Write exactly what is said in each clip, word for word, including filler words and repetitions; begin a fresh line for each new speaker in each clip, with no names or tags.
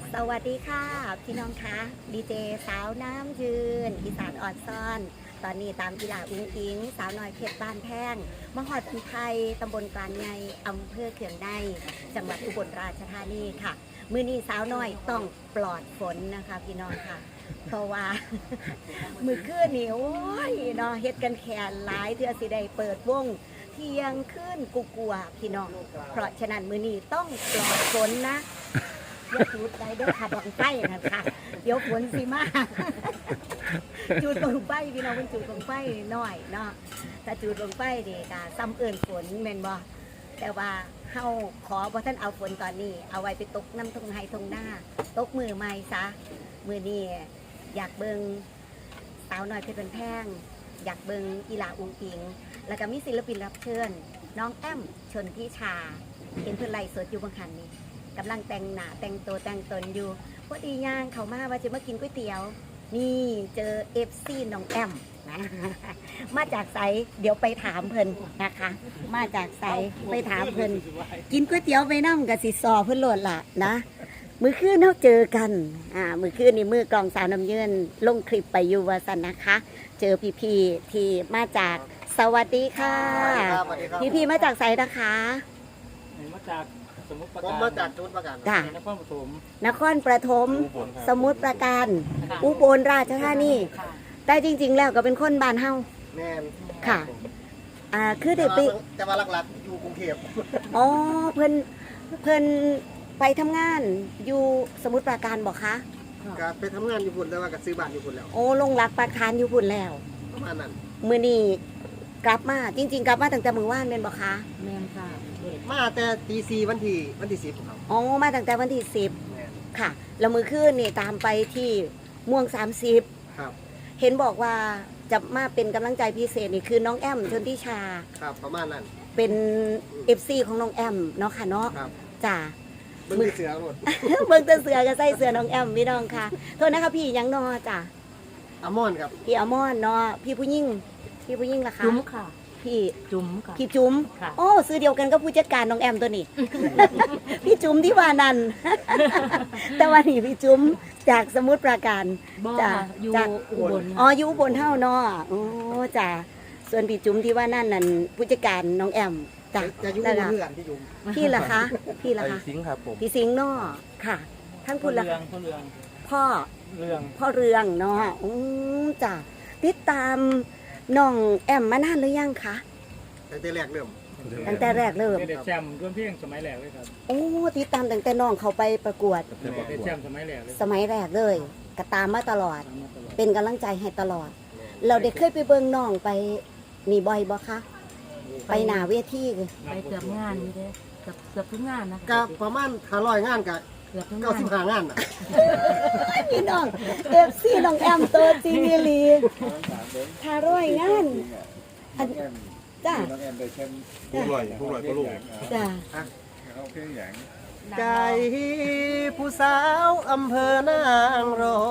สวัสดีค่ะพี่น้องคะดีเจสาวน้ำยืนอีสานออดซ่อนตอนนี้ตามกีฬาอุ้งอิงสาวน้อยเพชรบ้านแพงมหอดอุทัยตำบลกลางในอำเภอเขื่องในจังหวัดอุบลราชธานีค่ะมื้อนี้สาวน้อยต้องปลอดฝนนะคะพี่น้องค่ะเพราะว่า มือคืนนี่โอ้ยเนาะเฮ็ดกันแขนหลายเทื่อสิได้เปิดวงเที่ยงคืนกูกลัวพี่น้องเพราะฉะนั้นมื้อนี้ต้องปลอดฝนนะอย่าจุดได้เด้อค่ะบังไฟนะคะเดี๋ยวฝนสิมา จุดบังไฟพี่น้องมันจุดบังไฟน้อยเนาะถ้าจุดบังไฟนี่ก็ซ้ำเอิ่นฝนแม่นบ่แต่ว่าเฮาขอบ่ท่านเอาฝนตอนนี้เอาไว้ไปตกน้ำทงไห้ทงหน้าตกมือใหม่ซะมื้อนี้อยากเบิ่งสาวน้อยเพชรบ้านแพงอยากเบิ่งอีหลาอุงอิงแล้วก็มีศิลปินรับเชิญน้องแอมชนทิชาเห็นเพิ่นไลฟ์สดอยู่บางคันนี่กำลังแต่งหน้าแต่งตัวแต่งตนอยู่พอดีย่างเขามาว่าจะมากินก๋วยเตี๋ยวนี่เจอเอฟซีน้องแอมนะ มาจากไสเดี๋ยวไปถามเพิ่นนะคะ มาจากไสไปถามเพิ่นกินก๋วยเตี๋ยวไปนั่งกับสิซอเพิ่นโหลดล่ะนะมือคืนเราเจอกันอ่ามือคืนนี่มือกลองสาวน้ำเยินลงคลิปไปอยู่ว่าสันนะคะ เจอพี่ๆที่มาจากสวัสดีค่ะพี่ๆมาจากไสนะคะ
มาจากสมุทรปรา
ผม
การ
มาจากจุดประกัน
จ้ะ
นครปฐม
นครปฐมสมุทรปราการอุบลราชธานีแต่จริงๆแล้วก็เป็นคนบ้านเฮา
แม่น
ค่ะอ่าคือเด็กไป
แต่ว่าหลักๆอยู่กรุงเทพ
อ๋อเพิ่นเพิ่นไปทำงานอยู่สมุทรปราการบอกคะ
ก็ไปทำงานอยู่พุ่นแต่ว่าก็ซื้อบ้านอยู่พุ่นแล้ว
โอ้ลงรักปราการอยู่พุ่นแล้ว
ประมาณนั้น
มื้อนี้กลับมาจริง ๆ กลับมาตั้งแต่มื้อวานแม่นบ่คะ
แม่นค่ะ
มาแต่ตีสี่วันที่วันที่สิบครับ
อ๋อมาตั้งแต่วันที่สิบ
แม่น
ค่ะแล้วมื้อคืนนี่ตามไปที่ม่วงสามสิบ
ครับ
เห็นบอกว่าจะมาเป็นกำลังใจพิเศษนี่คือน้องแอมชนทิชา
ครับประมาณนั้น
เป็น เอฟ ซี ของน้องแอมเนาะค่ะเนาะ
ครับ
จ้า
เบิ่งที่เสือหมด
เบิ่งแต่เสือก็ใส่เสือน้องแอมพี่น้องค่ะโทษนะคะพี่ยังนอจ้ะ
อามอนครับ
พี่อมอนเนาะพี่ผู้ยิ่งพี่ผู้ยิ่งล่ะคะ
จุ๋มค่ะ
พี่
จุ๋มค่ะ
พี่จุ๋ม
ค่ะ
โอ้ซื้อเดียวกันก็ผู้จัดการน้องแอมตัวนี้ พี่จุ๋มที่ว่านัน แต่ว่านี่พี่จุ๋มจากสมุทรปราการ
บ่
จ้ะ
ค่ะอยู่
จาก
อุบล
อ๋ออยู่อุบนเท่าเนาะโอ้จ้ะส่วนพี่จุ๋มที่ว่านั่นนั่นผู้จัดการน้องแอมจ้ะ
จะอยู่
นั่น
บน
ล่ะ
เรือนที่อยู่
พี่ล่ะคะพี่ล่ะ
ไอ้
คะ
สิงห์ครับผม
พี่สิงห์เนาะค่ะท่าน
พ่
พู
อ
ดละ
เรืองพ่อเรือง
พ่อ
เรือง
พ่อเรืองเนาะอืมจ้ะติดตามน้องแอมมานานหรือยังคะ
แต่แต่แรกเริ่ม
ตั้งแต่แรกเริ่ม
เด็ดแชมป์ร่วมเพียงสมัยแรกเลยครับ
โอ้ติดตามตั้งแต่น้องเขาไปประกวด
เด็ดแชมป์สมัยแรกเลย
สมัยแรกเลยก็ตามมาตลอด
ตามมาตลอด
เป็นกำลังใจให้ตลอด เราได้เคยไปเบิ่งน้องไปนี่บ่อยบ่คะไปหน้าเวที
ไปเกือบงานนี่เด้เกือบเกือบทุกงานนะคะ
ก็ประมาณห้าร้อยงานกับ
เกือบทุก
เก้าง
าน
สิบห้างานน่ะ
พี่น้องเอฟซีน้องแอมตัวจริงอีหลีถ้าร้อยงานอันจ้า
น้องแอมได้แชมป์
จ้า
ผู้ลอยผู้ลอยก็ลูก
จ้า
เขาเพียงอย่าง
ใจผู้สาวอำเภอนางรอง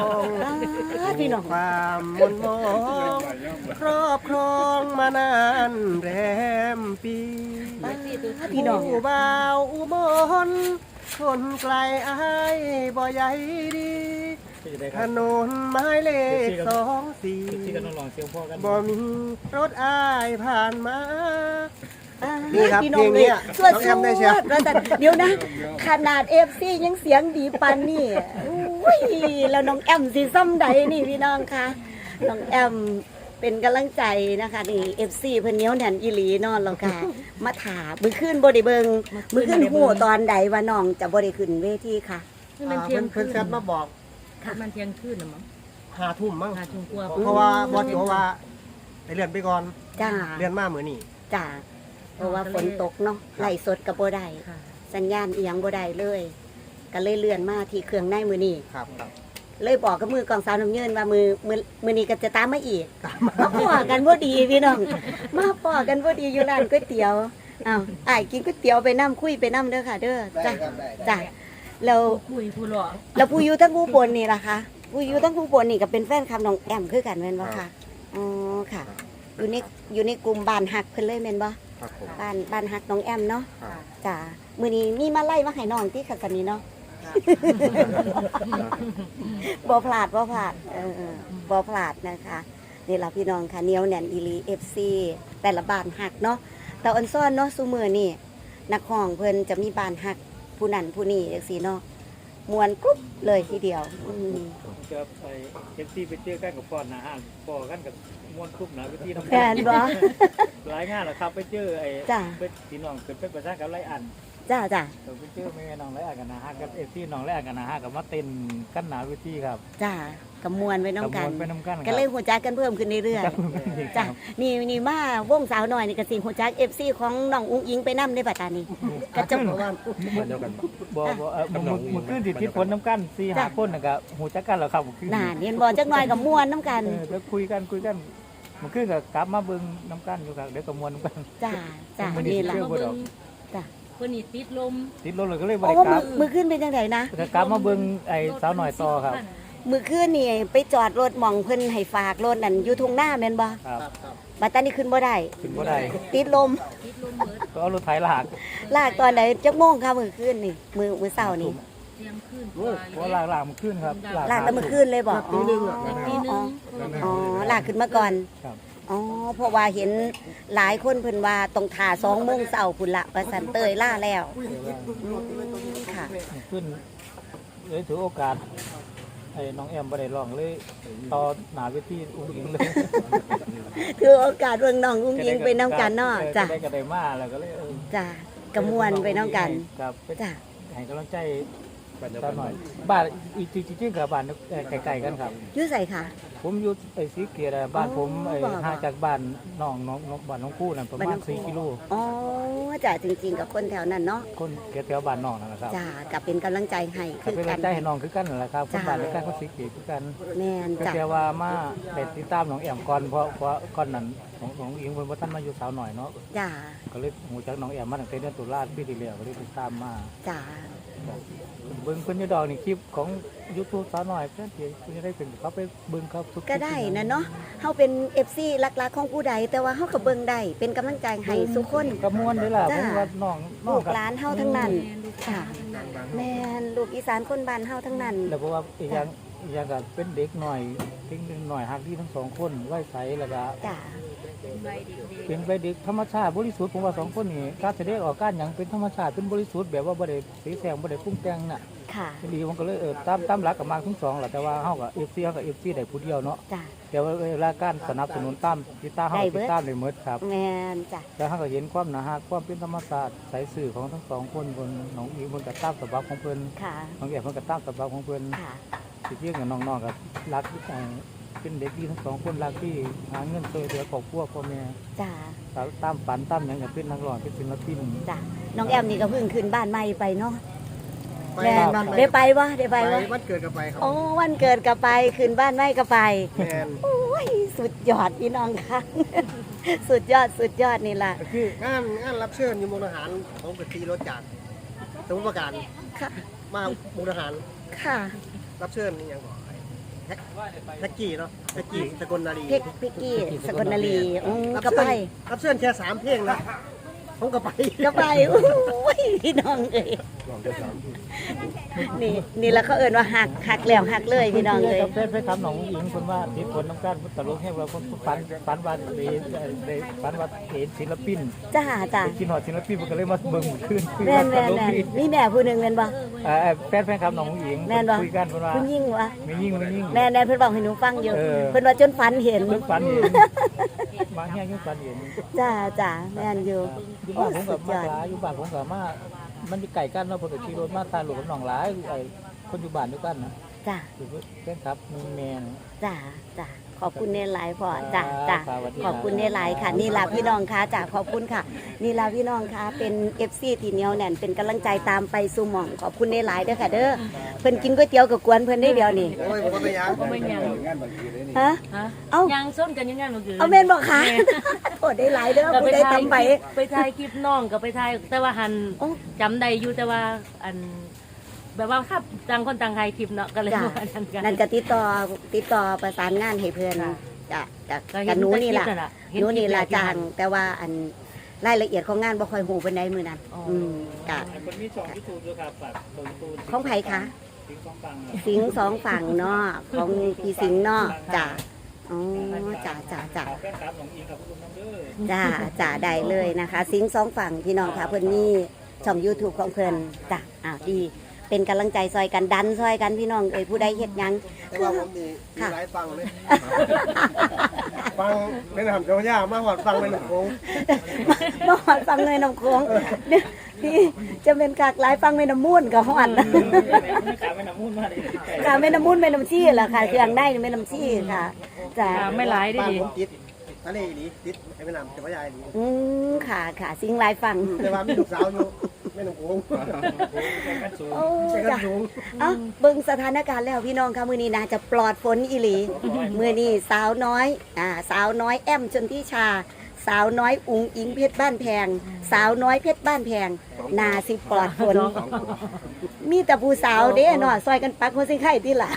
อ่าพี่น้อง
ความมนมองครอบครองมานานแรมปี
พี่น้อง
ผู้บ่าวอุบลคนไกลอายบ่ใหญ่ดี
ที่ได้ค
ถ
รับ
นนไม้เลขสองสี่
ที่ก็ต้องลองเซียวพ่อกัน
บ่มีรถอายผ่านมา
อ่า
นี่ครับ
พี่น้อง
เพลงเนี้
เลย
ย
สวด
น้อง
ส
แอมได้เชี
ว
ยว
ดแล้วแต่เดี๋ยวนะ ขนาดเอฟซียังเสียงดีปันนี่อุ้ยแล้วน้องแอมสีซ้ำใดนี่พี่น้องคะน้องแอมเป็นกำลังใจนะคะนี่เอฟซีเพิ่นเหนียวแน่นอีหลีนอนแล้วค่ะมาถามมือขึ้นบ่ได้เบิงมือขึ้นหูตอนใดว่าน้องจะบ่ได้ขึ้นเวทีค่ะ
นี่มัน
อ่า
เที่ย
เพิ่
ง
น
คื
เพิ่น
น
แซดมาบอก
มันเที่ยงคืนน่ะมั้ง
หาทุ่มมั้ง
หาทุ่มกว่า
เพราะว่าบอสโจว่าไปเลื่อนไปก่อน
จ้า
เลื่อนมาเหมือนนี่
จ้าเพราะว่าฝนตกเนาะไหลสดกับบ่ได้
ค่ะ
สัญญาณเอียงบ่ได้เลยก็เลยเลื่อนมาที่เครื่องในมือนี้
ครับครับ
เลยบอกกับมือกองสาวน้ำเยินว่ามือมือมือนี้ก็จะตามมาอีกมาพอกันบ่ดีพี่น้องมาพอกันบ่ดีอยู่ร้านก๋วยเตี๋ยวอ้าวอ้ายกินก๋วยเตี๋ยวไปน้ำคุยไปน้ำเด้อค่ะ เด้อ
ได้
จ้ะ
ครับได้ได้
จ้ะแล้ว
คุยผู้หลอก
แล้วผู้อยู่ทั้งผู้บนนี่ล่ะคะผู้อยู่ทั้งผู้บนนี่ก็เป็นแฟนคลับน้องแอมคือกันแม่นบ่ค่ะอ๋อค่ะ อยู่ในอยู่ในกลุ่มบ้านฮักเพิ่นเลยแม่นบ่
ครับผม
บ้านบ้านฮักน้องแอมเนาะ
ครับ
จ้ะมื้อนี้มีมาไล่มาให้น้องที่ขัดกันนี้เนาะบ่พลาดบ่พลาดเออบ่พลาดนะคะนี่ล่ะพี่น้องค่ะเหนียวแน่นอีหลี เอฟ ซี แต่ละบ้านฮักเนาะแต่อันซ่อนเนาะซุมื้อนี่นักร้องเพิ่นจะมีบ้านฮักผู้นั้นผู้นี้จังซี่เนาะม่วนกรุ๊บเลยทีเดียวอืม
เจอไอ้เอฟซีไปเจอกันกับฟอนนะฮะฟอกันกับม้วนคุบนะวิธีทำ
แม่นบ่
หลายงานแหละครับไปเจอไอ้
จ้ะ
เป็นพี่น้องเป็นเป็นประชากับไรอัน
จ้าจ้า
เราไปเจอแม่น้องไรอันกันนะฮะกับเอฟซีน้องไรอันกันนะฮะกับมาเต้นกันหนาวิธีครับ
จ้ากับมวนไว้น้ำกัน
กับม้วไปน้ำกัน
ก็เลยหัวจักกันเพิ่มขึ้นเรื่อยๆ จ้ะนี่นี่มาวงสาวหน่อยนี่ก็สิหัวจัก เอฟ ซี ของน้องอุ้งอิงไปนํในปัตตานีกระจก
มันเดียวกัน
บ่บ่เออมือมือขึ้นสิทิศผลน้ำกันสี่ห้าคนน่ะก็หูจักกันแล้วครับมื้อคืน
น่าเรียนบ่จักหน่อยกับมวนน้ำกัน
เออแล้วคุยกันคุยกันมันขึ้นกับกลับมาเบิ่งน้ำกันอยู่ครับเดี๋ยวก็มวนน้ำกัน
จ้าจ้า
มื้อนี้
นี่ล่ะ
เที่ยวบ่ดอก
จ้ะ
คนนี้ติดลม
ติดรถเลยก็เลยบ่
โอ้
ได้ก
มื
ลั
อบ มือขึ้นเป็นจังไดนะ
ก็กลับมาเบิ่งไอ้สาวหน่อยต่อครับ
มือขึ้นนี่ไปจอดรถหม่องเพิ่นให้ฝากรถนั่นอยู่ทุ่งนาแม่นบ่
ครับ
บัดตานี้ขึ้นบ่ได้
ขึ้นบ่ได้
ติดลม
ติดลมเบิด
ก็เอารถไถลาก
ลากตอนไหนจักโมงค่ะมื้อคืนนี่มื้อมื้อเช้านี่
เตรียมขึ้น
เพราะลากลากมันขึ้นครับ
ลากแต่มื้อคืนเลยบ่อ๋อ
ทีนึ
อ๋อง อ๋อลากขึ้นมาก่อน
ครับ
อ๋อเพราะว่าเห็นหลายคนเพิ่นว่าต้องถ่าสองโมงเช้าพุ่นละว่าสันเตยล่าแล้วอืมค่ะ
ขึ้นเลยถือโอกาสไอ้น้องแอมบ่ได้ร้องเลยต่อหน้าเวทีอุ้งอิงเลย
ถือโอกาสเบิ่งน้องอุ้งอิงไปน้ำกันเนาะจ้ะ
ได้ก็ได้มาแล้วก็เลยเออ
จ้ะกระมวลไปน้ำกัน
ครับไป
จ้ะ
ให้กำลังใจตาหน่อยบ้านอีกจริงๆกับบ้านใกล้ๆกันครับ
อยู่ไสค่ะ
ผมอยู่ไอ้สีเกียรติบ้านผมไอ้
บ่บ่
ห่างจากบ้านน้องน้องน้องบ้านน้องคู่นั่นประ
บ้าน
มา
น้
ณ
องคู่
สี่กิโล
อ๋อจ้ะจริงๆกับคนแถวนั้นเนาะ
คนแถวๆบ้านน้องนั่นแหละครับ
จ้ะกับเป็นกำลังใจให้
ก็
คือ
เป็น
กั
กำลั
น
งใจให้น้องคือกันนั่นแหละครับคน
จ้ะ
บ้านเดียวกันคนสีเกียรติคือกัน
แม่น
ก็
จ้ะ
แค่ว่ามาได้ติดตามน้องแอมก่อนเพราะเพราะก่อนนั้นของของอิงเพิ่นบ่ทันมาอยู่สาวหน่อยเนาะ
จ้ะ
ก็เลยหูจักน้องแอมมาตั้งแต่เดือนตุลาปีที่แล้วก็เลยติดตามมา
จ้ะ
เบิ่งเพิ่นอยู่ดอกนี่คลิปของ YouTube สาวน้อยเพิ่นสิเพิ่นจะได้เป็นเขาไปเบิ่งครับทุคลิป
ก็ได้นะเนาะเฮาเป็น เอฟ ซี หลักๆของผู้ใดแต่ว่าเฮาก็เบิ่งได้เป็นกำลังใจให้ทุกคน
ก็ม่วนเด้อล่ะ
จ้ะ
ผมว่าน้องน้อ
ลู
ง
ก
ก็
หลานเฮาทั้งนั้นค่ะแม่นลูกอีสานคนบ้านเฮาทั้งนั้น
แล้วเพราะว่าอีกอย่างอีกอย่างก็เป็นเด็กหน่อยเด็กหน่อยฮักที่ทั้งสองคนไว้ใสแล้วก็
จ้ะ
เป็นไปเด็กธรรมชาติบริสุทธิ์ผมว่าสองคนนี่การแสดงออกการหยังเป็นธรรมชาติเป็นบริสุทธิ์แบบว่าบ่ได้สีแสงบ่ได้ปรุงแต่งน่ะ
ค่ะ
ดีผมก็เลยเออตามตามหลักกับมาทั้งสองแหละแต่ว่าเฮากับ เอฟ ซี เฮากับ เอฟ ซี ได้ผู้เดียวเนาะ
จ้ะ
แต่ว่าเวลาการสนับสนุนตามติดตามเฮา
ได้
ก็
เบิ
ติ
ด
ดตามได้หมดครับ
แม่นจ้ะ
แล้วเฮาก็เห็นความหนาฮักความเป็นธรรมชาติสายสื่อของทั้งสองคนบนน้องอีเพิ่นก็ตามสบับของเพิ่น
ค่ะ
น้องแอบเพิ่นก็ตามสบับของเพิ่น
ค่ะ
สิเที่ยงกับน้องๆก็รักเอ่อเป็นเด็กดีทั้งสองคนรักที่หาเงินช่วยเหลือครอบครัวพ่อแม่
จ้ะ
ตามฝันตามหยังก็เป็นนักร้องเป็นศิลปิน
จ้ะน้องแอมนี่ก็เพิ่งขึ้นบ้านใหม่ไปเนาะ
ไป
แม่
บ้าน
ได้ไปวะได้ไป
ไป
วะ
วันเกิดกับไปครับ
โอ้วันเกิดก็ไปขึ้นบ้านใหม่ก็ไป
แมน
โอ้ยสุดยอดพี่น้องค่ะ สุดยอดสุดยอดนี่ล่ะ
ก็คืองานงานรับเชิญอยู่มุกดาหารผมกับทีรถจากสมุทรปราการ
ค่ะ
มามุกดาหาร
ค่ะ
รับเชิญนี่ยังบอกแท็กแท็กกี้เนาะแท็กกี้สกลนารี
เพกพิกกี้สกลนารีอืม
รับ
ก็
เชิ
ไป
ญรับเชิญแค่สามเพลงนะผมก็ไป
ก็ไปโอ้ยพี่น้องเอ้ยนี่นี่แล้วเขาเอิ้นว่าหักหักแล้วหักเลยพี่น้องเลย
เพื่อนเพื่อนครับน้องอิงคนว่าติดผลน้ำการตลกให้เราคนฝันฝันว่าได้ได้ฝันว่าเห็นศิลปิน
จ้าจ้า
ไปกินหอดศิลปินมันก็เลยมาเบิ่งขึ้น
แม่นแม่นแม่นมีแม่ผู้หนึ่งแม่นบ่
เอ่อแฟนแฟนครับน้องอิง
แม่นบ่
คุยกันเพิ่นว่า
คุณยิ่งวะ
ไม่ยิ่งไม่ยิ่ง
แม่แน่เพิ่นบอกให้หนูฟังอยู่
เออ
เพิ่นว่าจนฝันเห็น
เพิ่นฝันเห็นมาแห้งยังฝันเห็น
จ้าจ้าแม่นอยู่
อยู่
โอ้
บ้านผม
สุ
กับ
ด
มาย
อด
หลายอยู่บ้านผมกับมามันมีไก่กันเนาะเพิ่นก็ขี่รถมาตาหลวงกับน้องหลายไอ้คนอยู่บ้านด้วยกันนะ
จ้า
คือแฟนครับมีแม่นะ
จ้าจ้าขอบคุณเนหลายพ่อจ้าจ้า
ครับสวัสดีครับ
ขอบคุณเนหลายค่ะ นี่ล่ะพี่น้องค่ะจ้าขอบคุณค่ะ นี่ล่ะพี่น้องค่ะเป็น เอฟ ซี ที่เหนียวแน่นเป็นกำลังใจตามไปสู่หม่องขอบคุณเนหลายเด้อค่ะเด้อเพิ่นกินก๋วยเตี๋ยวกับกวนเพิ่นได้เดียวนี่
โอ้ยผมก็ไปยัง
ก็ไม่ยัง
งานบางทีเลยนี่
ฮะ
ฮะ
เอ้า
ยังส้นกันยังไงเมื่อกี้
เอาแม่นบอกค่ะโทษได้หลายเด้อ
ก็
ผู้
ไป
ใด
ถ่าย
ทำไป
คลิปไปถ่ายคลิปน้องก็ไปถ่ายแต่ว่าหัน
โอ้
จำได้อยู่แต่ว่าอัน แบบว่าครับต่างคนต่างถ่ายคลิปเนาะก็เลย
จ้ะ
ว่าอันนั้นกัน
นั่นก็ติดต่อติดต่อประสานงานให้เพื่อน
ค่ะ
จ้ะจ้ะ
ก็เห็
กับหนูนี่ล่ะ
แต่คลิปะ
หนูนี่ล่ะ
เห็คลิป
จ้างแต่ว่าอันรายละเอียดของงานบ่ค่อยหูปานใดมื้อนั้น
อ๋ออื
อืมกะ
คนมีช่อง YouTube ด้วยครับฝากเบิ่งตูน
ของไผคะ
สิงสองฟัง
สิงห์สองฝั่งเนาะของพี่สิงห์เนาะจ้ะอ๋อจ้ะจ้ะจ้ะ
แฟนคลับของอิงกับคุณน้องเด้อ
จ้าจ้าได้เลยนะคะ สิงห์สองฝั่งพี่น้องค่ะเพิ่นนี่ช่อง YouTube ของเพิ่นจ้ะอ้าวดีเป็นกำลังใจซอยกันดันซอยกันพี่น้องเอ้ยผู้ใดเฮ็ดหยัง
แต่ว่าผมมีมี
ค่ะ
หลายฟังเลยฟังเป็นทำเจ้าย่ามาหอดฟังเป็นหลวงคง
บ่ฮอดฟังเลยน้ำโค้งเดี๋ยวพี่จะเป็นกากหลายฟังแม่น้ำมูลก็ฮอด
ไม่ขาไม่น้ำมูลมาดิ
ค่ะแม่น้ำมูลแม่น้ำชี้ล่ะค่ะเครื่องได้แม่น้ำชี้ค่ะจ้ะ
อ่าไม่หลายได้
บ้าน
ดี
ผมติดทะเลอีหลีติดไอ้แม่น้ำเจ้าย่าอีหลี
อืมค่ะค่ะสิงห์หลายฟัง
แต่ว่ามีลูกสาวอยู่แม่หลวงคง
โอ้
ไปกัน
จ้ะ
สูง
เอ้าเบิ่งสถานการณ์แล้วพี่น้องค่ะมื้อนี้น่าจะปลอดฝนอีหลีมื้อนี้สาวน้อยอ่าสาวน้อยแอมชนทิชา สาวน้อยอุ๋งอิงเพชรบ้านแพง สาวน้อยเพชรบ้านแพงนาสิปลอดฝนมีแต่ผู้สาวเด้เนาะซอยกันปักคนสิไข่ติล่ะ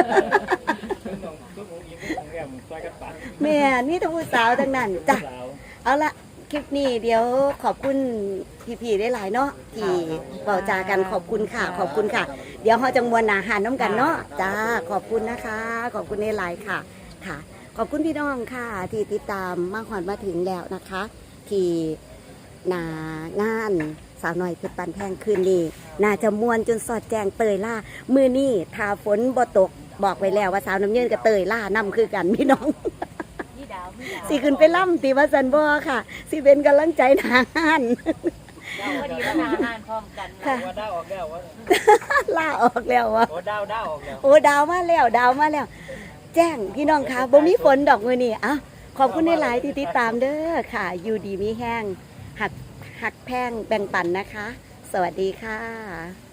แม่นี่แต่ผู้สาวทั้งนั้นจ้ะเอาละคลิปนี้เดี๋ยวขอบคุณพี่ๆได้หลายเนาะที่เบาจากันขอบคุณค่ะ ขอบคุณค่ะ เดี๋ยวเขาจะมวนอาหารน้ำกันเนาะจ้าขอบคุณนะคะ ขอบคุณในหลายค่ะค่ะ ขอบคุณพี่น้องค่ะ ที่ติดตามมาหอนมาถึงแล้วนะคะ ที่หนางานสาวน้อยเพชรปันแพงคืนนี้น่าจะมวนจนสอดแจงเตยล่ามือนี่ทาฝนบ่ตกบอกไว้แล้วว่าสาวน้ำเยืนกับเตยล่านํคือกันพี่น้อง สิขึ้นไปล่ำตีว่าสันบ่ค่ะ สิเป็นกำลังใจทางาน
พอดีมาทานอาหารพร้อมกัน
ค่ะ
ว่าดาวออกแล้วว่า
ล่าออกแล้ววะ
โอ้ดาวดาวออกแล้ว
โอ้ดาวมาแล้วดาวมาแล้ว แจ้งพี่น้องค่ะบ่มีฝนดอกมือนี่อ่ะขอบคุณในหลายๆที่ติดตามเด้อค่ะ อยู่ดีมีแห้งหักหักแพงแบ่งปันนะคะ สวัสดีค่ะ